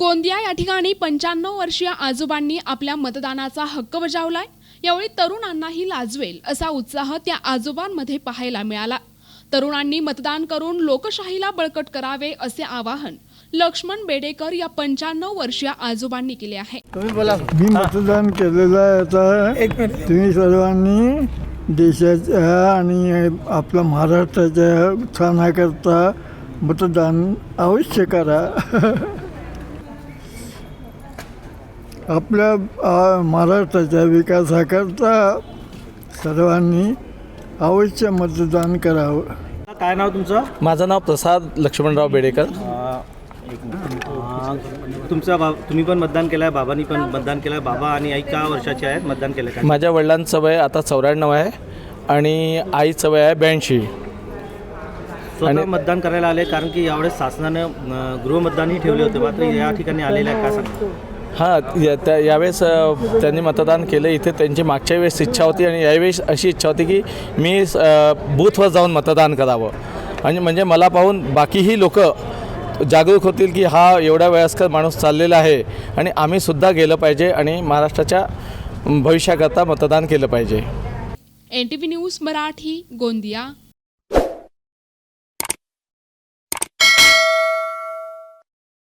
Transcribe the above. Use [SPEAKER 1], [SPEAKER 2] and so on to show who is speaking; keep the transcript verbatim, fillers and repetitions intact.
[SPEAKER 1] गोंदिया या ठिकाणी पंच्याण्णव वर्षीय आजोबांनी आपल्या मतदानाचा हक्क बजावलाय। यावेळी तरुणांनाही लाजवेल असा उत्साह त्या आजोबांमध्ये पाहायला मिळाला। तरुणांनी मतदान करून लोकशाहीला बळकट करावे असे आवाहन लक्ष्मण बेडेकर या पंच्याण्णव वर्षीय आजोबांनी केले आहे।
[SPEAKER 2] तुम्ही बोला।
[SPEAKER 3] मी मतदान केलेलं आहे। आता तुम्ही सर्वांनी देशाच्या आणि आपल्या महाराष्ट्राच्या उत्थानाकरता मतदान अवश्य करा। आपल्या महाराष्ट्राच्या विकासाकरता सर्वांनी अवश्य मतदान करावं।
[SPEAKER 2] काय नाव तुमचं?
[SPEAKER 4] माझं नाव प्रसाद लक्ष्मणराव बेडेकर।
[SPEAKER 2] तुमचा बा तुम्ही पण मतदान केलं आहे, बाबांनी पण मतदान केलं आहे। बाबा आणि आई का वर्षाचे आहेत, मतदान केलं काय?
[SPEAKER 4] माझ्या वडिलांचं वय आता चौऱ्याण्णव आहे आणि आईचं वय आहे ब्याऐंशी।
[SPEAKER 2] स्वतः मतदान करायला आले कारण की यावेळेस शासनानं गृहमतदानही ठेवले होते, मात्र या ठिकाणी आलेलं आहे, काय सांगतो?
[SPEAKER 4] हां, या त्या यावेळेस त्यांनी मतदान केलं। इथे त्यांची मागच्या वेळेस इच्छा होती आणि यावेळेस अशी इच्छा होती की मी बूथवर जाऊन मतदान करावं आणि म्हणजे मला पाहून बाकीही लोक जागरूक होतील की हा एवढा वयस्कर माणूस चाललेला आहे आणि आम्हीसुद्धा गेलं पाहिजे आणि महाराष्ट्राच्या भविष्याकरता मतदान केलं पाहिजे।
[SPEAKER 1] N T V news Marathi, Gondia.